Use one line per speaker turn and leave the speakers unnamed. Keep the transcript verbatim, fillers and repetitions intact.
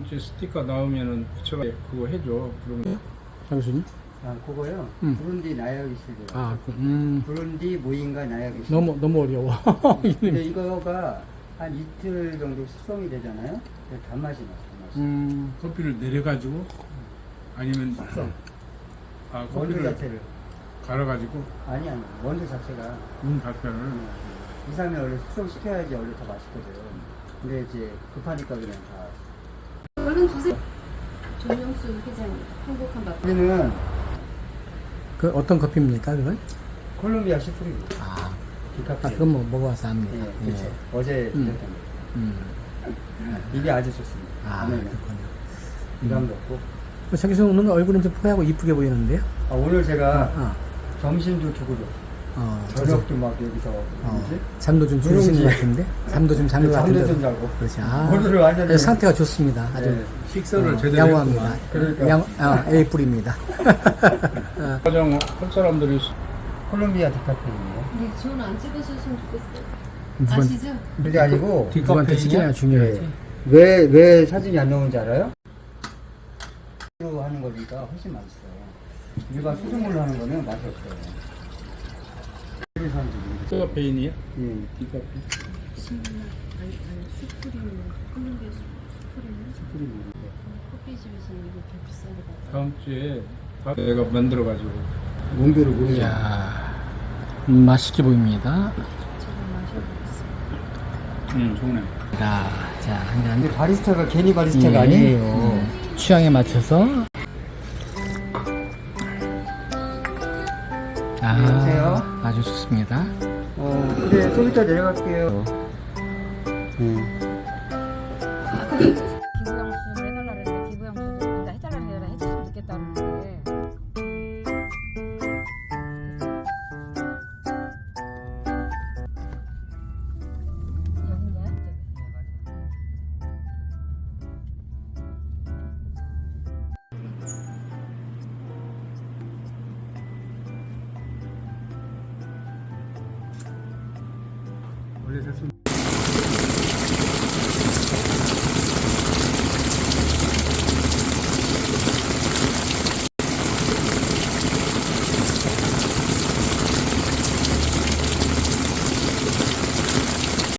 이제 스티커 나오면은 붙여가 그거 해줘. 그러면
장수님?
아, 그거요?
음.
부룬디 나야기시래요.
아, 그, 음.
부룬디 모잉가 나야기시.
너무, 너무 어려워.
근데 이거가 한 이틀 정도 숙성이 되잖아요? 그래서 단맛이 나요, 단맛이.
음,
커피를 내려가지고 아니면
숙성.
아
원두
커피를
자체를.
갈아가지고
아니, 아니. 원두 자체가.
문 발편을
이, 삼 일 원래 숙성시켜야지 원래 더 맛있거든. 근데 이제 급하니까 그냥 다.
얼른 주세요. 조명수 회장 행복한 밥.
우리는
그 어떤 커피입니까, 그건?
콜롬비아 시프리고.
아,
디카페.
아 그건 뭐 먹어봐서 압니다.
예, 그렇죠. 어제
음.
드셨던 거.
음.
이게 아주 좋습니다.
아,
안에는
그렇군요.
부담도 없고.
뭐 저기서 오는 얼굴은 좀 포하고 이쁘게 보이는데요?
아, 오늘 제가
어,
점심도 두고
어,
저녁도 막 여기서
어,
뭐지?
잠도 좀 주무시는
누룽지.
것 같은데? 잠도 좀 잔 것
잠도
같은데?
좀 자고.
그렇지. 아,
오늘은 완전히
아주 상태가 좋습니다. 아주
네.
식사를
어,
제대로
양호합니다.
했구만.
그러니까.
양, 아, A 뿔입니다.
가장 할 사람들이
콜롬비아 디카페인이에요.
네, 저는 안 찍으셨으면 좋겠어요.
누구한-
아시죠?
그게 아니고
누구한테 찍혀야 중요하지.
왜, 왜 사진이 안 나오는지 알아요? 로 하는 거니까 훨씬 맛있어요. 일반 수돗물로 하는 거는 맛이 없어요. 그래서 사람들이
디카페인이야?
예.
디카페인.
아니, 아니, 수프림, 콜롬비아 수- 수프림.
그리고
커피집에서는 이거 더 비싸게 받아.
다음 주에 다 내가 만들어가지고
농도를 모르죠.
이야, 음, 맛있게 보입니다.
제가 마셔보겠습니다.
응 좋네.
자, 자, 한 잔.
근데 바리스타가 괜히 바리스타가
예.
아니에요.
음, 취향에 맞춰서. 아,
여보세요?
아주 좋습니다.
어, 근데 좀 이따 내려갈게요. 음.
기부양수 해달라 그랬는데 기부양수 그러니까 해달라 그래라 해줬으면 좋겠다는데 여긴가요?
원래 됐으면